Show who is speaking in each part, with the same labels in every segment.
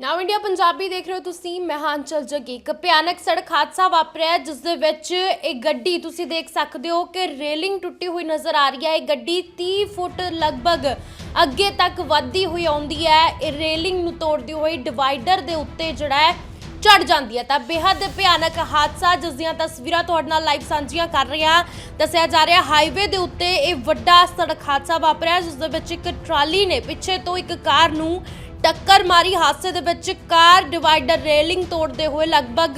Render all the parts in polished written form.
Speaker 1: ਨਾਓ India Punjabi ਦੇਖ ਰਹੇ ਹੋ ਤੁਸੀਂ। ਮੈਂ ਹਾਂ ਅੰਚਲ ਜੱਗੀ। ਇੱਕ ਭਿਆਨਕ ਸੜਕ ਹਾਦਸਾ ਵਾਪਰਿਆ ਜਿਸ ਦੇ ਵਿੱਚ ਇੱਕ ਗੱਡੀ ਤੁਸੀਂ ਦੇਖ ਸਕਦੇ ਹੋ ਕਿ ਰੇਲਿੰਗ ਟੁੱਟੀ ਹੋਈ ਨਜ਼ਰ ਆ ਰਹੀ ਹੈ। ਇਹ ਗੱਡੀ 30 ਫੁੱਟ ਲਗਭਗ ਅੱਗੇ ਤੱਕ ਵੱਧਦੀ ਹੋਈ ਆਉਂਦੀ ਹੈ। ਇਹ ਰੇਲਿੰਗ ਨੂੰ ਤੋੜਦੀ ਹੋਈ ਡਿਵਾਈਡਰ ਦੇ ਉੱਤੇ ਜਿਹੜਾ ਹੈ ਚੜ ਜਾਂਦੀ ਹੈ। ਤਾਂ ਬੇहद ਭਿਆਨਕ ਹਾਦਸਾ ਜਿਸ ਦੀਆਂ ਤਸਵੀਰਾਂ ਤੁਹਾਡੇ ਨਾਲ ਲਾਈਵ ਸਾਂਝੀਆਂ ਕਰ ਰਹੇ ਹਾਂ। ਦੱਸਿਆ ਜਾ ਰਿਹਾ ਹਾਈਵੇ ਦੇ ਉੱਤੇ ਇਹ ਵੱਡਾ ਸੜਕ ਹਾਦਸਾ ਵਾਪਰਿਆ ਜਿਸ ਦੇ ਵਿੱਚ ਇੱਕ ਟਰਾਲੀ ਨੇ ਪਿੱਛੇ ਤੋਂ ਇੱਕ ਕਾਰ ਨੂੰ टक्कर मारी। हादसे दे विच कार डिवाइडर रेलिंग तोड़ते हुए लगभग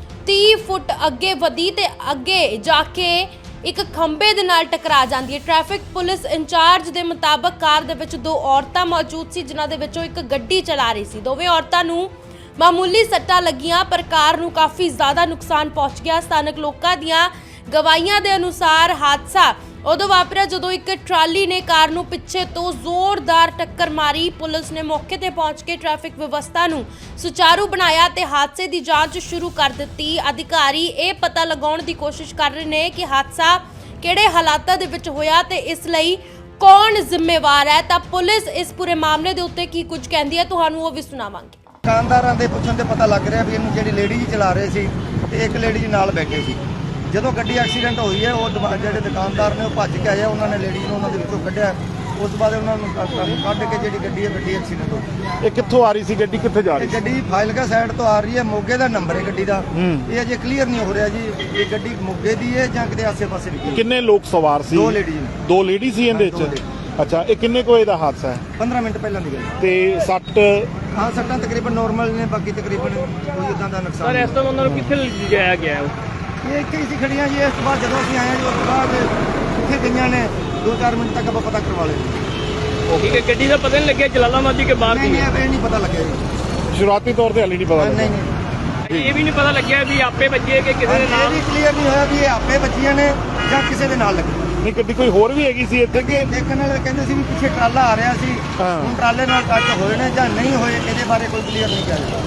Speaker 1: 30 फुट अगे वधी ते अगे जाके एक खंबे दे नाल टकरा जाती है। ट्रैफिक पुलिस इंचार्ज के मुताबक कार दे विच दो औरतां मौजूद सी जिन्हां दे विचों एक गड्डी चला रही सी। दोवें औरतां नूं मामूली सट्टां लगियां पर कार नूं काफ़ी ज़्यादा नुकसान पहुंच गया। स्थानक लोकां दियां गवाहियां दे अनुसार हादसा उदों वापरिया जदों एक ट्राली ने कार नूं पिछे तो जोरदार टक्कर मारी। पुलिस ने मौके ते पहुंच के ट्रैफिक व्यवस्था नूं सुचारू बनाया ते हादसे की जांच शुरू कर दित्ती। अधिकारी ये पता लगाउण दी कोशिश कर रहे हैं कि हादसा किहड़े हालातां दे विच होया ते इस लई कौन जिम्मेवार है। तां पुलिस इस पूरे मामले दे उत्ते की कुछ कहंदी है तुहानूं वो भी सुणावांगे।
Speaker 2: दुकानदारां दे पुछण ते पता लग रहा भी इहनूं जिहड़ी लेडी जी चला रहे सी ते एक लेडी जी नाल बैठे सी। ਜਦੋਂ ਗੱਡੀ ਐਕਸੀਡੈਂਟ ਹੋਈ ਹੈ ਉਹ ਜਿਹੜੇ ਦੁਕਾਨਦਾਰ ਨੇ ਉਹ ਭੱਜ ਕੇ ਆਏ, ਉਹਨਾਂ ਨੇ ਲੇਡੀ ਨੂੰ ਉਹਨਾਂ ਦੇ ਵਿੱਚੋਂ ਕੱਢਿਆ। ਉਸ ਤੋਂ ਬਾਅਦ ਉਹਨਾਂ ਨੂੰ ਕੱਢ ਕੇ ਜਿਹੜੀ ਗੱਡੀ ਐਕਸੀਡੈਂਟ ਹੋ ਗਈ।
Speaker 3: ਇਹ ਕਿੱਥੋਂ ਆ ਰਹੀ ਸੀ ਗੱਡੀ, ਕਿੱਥੇ ਜਾ ਰਹੀ ਸੀ?
Speaker 2: ਗੱਡੀ ਫਾਜ਼ਿਲਕਾ ਸਾਈਡ ਤੋਂ ਆ ਰਹੀ ਹੈ। ਮੋਗੇ ਦਾ ਨੰਬਰ ਹੈ ਗੱਡੀ ਦਾ, ਇਹ ਅਜੇ ਕਲੀਅਰ ਨਹੀਂ ਹੋ ਰਿਹਾ ਜੀ ਇਹ ਗੱਡੀ ਮੋਗੇ ਦੀ ਹੈ ਜਾਂ ਕਿਤੇ ਆਸੇ-ਪਾਸੇ ਦੀ।
Speaker 3: ਕਿੰਨੇ ਲੋਕ ਸਵਾਰ ਸੀ? ਦੋ ਲੇਡੀ ਸੀ ਇਹਦੇ ਵਿੱਚ। ਅੱਛਾ, ਇਹ ਕਿੰਨੇ ਕੁ ਵਜੇ ਦਾ ਹਾਦਸਾ ਹੈ?
Speaker 2: 15 ਮਿੰਟ ਪਹਿਲਾਂ ਦੀ ਗੱਲ।
Speaker 3: ਤੇ ਸੱਟ?
Speaker 2: ਹਾਂ, ਸੱਟਾਂ ਤਕਰੀਬਨ ਨਾਰਮਲ ਨੇ, ਬਾਕੀ ਤਕਰੀਬਨ ਕੋਈ ਇਦਾਂ ਦਾ ਨੁਕਸਾਨ।
Speaker 4: ਸਰ ਇਸ ਤੋਂ ਉਹਨਾਂ ਨੂੰ ਕਿੱਥੇ ਲਿਜਾਇਆ ਗਿਆ?
Speaker 2: ਇਹ ਇੱਥੇ ਹੀ ਸੀ ਖੜੀਆਂ ਜੀ। ਇਸ ਤੋਂ ਬਾਅਦ ਜਦੋਂ ਅਸੀਂ ਆਏ ਜੀ ਉਸ ਤੋਂ ਬਾਅਦ ਇੱਥੇ ਗਈਆਂ ਨੇ 2-4 ਮਿੰਟ ਤੱਕ ਆਪਾਂ ਪਤਾ ਕਰਵਾ ਲਿਆ।
Speaker 4: ਠੀਕ ਹੈ, ਗੱਡੀ ਦਾ ਪਤਾ ਨਹੀਂ ਲੱਗਿਆ ਜਲਾਲਾਬਾਦ ਦੀ ਕਿ ਬਾਹਰ ਦੀ?
Speaker 2: ਨਹੀਂ, ਇਹ ਨਹੀਂ ਪਤਾ ਲੱਗਿਆ ਜੀ।
Speaker 3: ਸ਼ੁਰੂਆਤੀ ਤੌਰ ਤੇ ਹਾਲੇ ਨਹੀਂ ਪਤਾ
Speaker 2: ਨਹੀਂ
Speaker 4: ਇਹ ਵੀ ਨਹੀਂ ਪਤਾ ਲੱਗਿਆ ਵੀ ਆਪੇ ਵੱਜੇ ਕਿ ਕਿਸੇ ਦੇ ਨਾਲ?
Speaker 2: ਇਹ ਵੀ ਕਲੀਅਰ ਨਹੀਂ ਹੋਇਆ ਵੀ ਇਹ ਆਪੇ ਵੱਜੀਆਂ ਨੇ ਜਾਂ ਕਿਸੇ ਦੇ ਨਾਲ ਲੱਗੀ।
Speaker 3: ਨਹੀਂ, ਗੱਡੀ ਕੋਈ ਹੋਰ ਵੀ ਹੈਗੀ ਸੀ ਇੱਥੇ ਕਿ?
Speaker 2: ਦੇਖਣ ਵਾਲੇ ਕਹਿੰਦੇ ਸੀ ਵੀ ਪਿੱਛੇ ਟਰਾਲਾ ਆ ਰਿਹਾ ਸੀ, ਹੁਣ ਟਰਾਲੇ ਨਾਲ ਟੱਚ ਹੋਏ ਨੇ ਜਾਂ ਨਹੀਂ ਹੋਏ ਇਹਦੇ ਬਾਰੇ ਕੋਈ ਕਲੀਅਰ ਨਹੀਂ ਕਿਹਾ।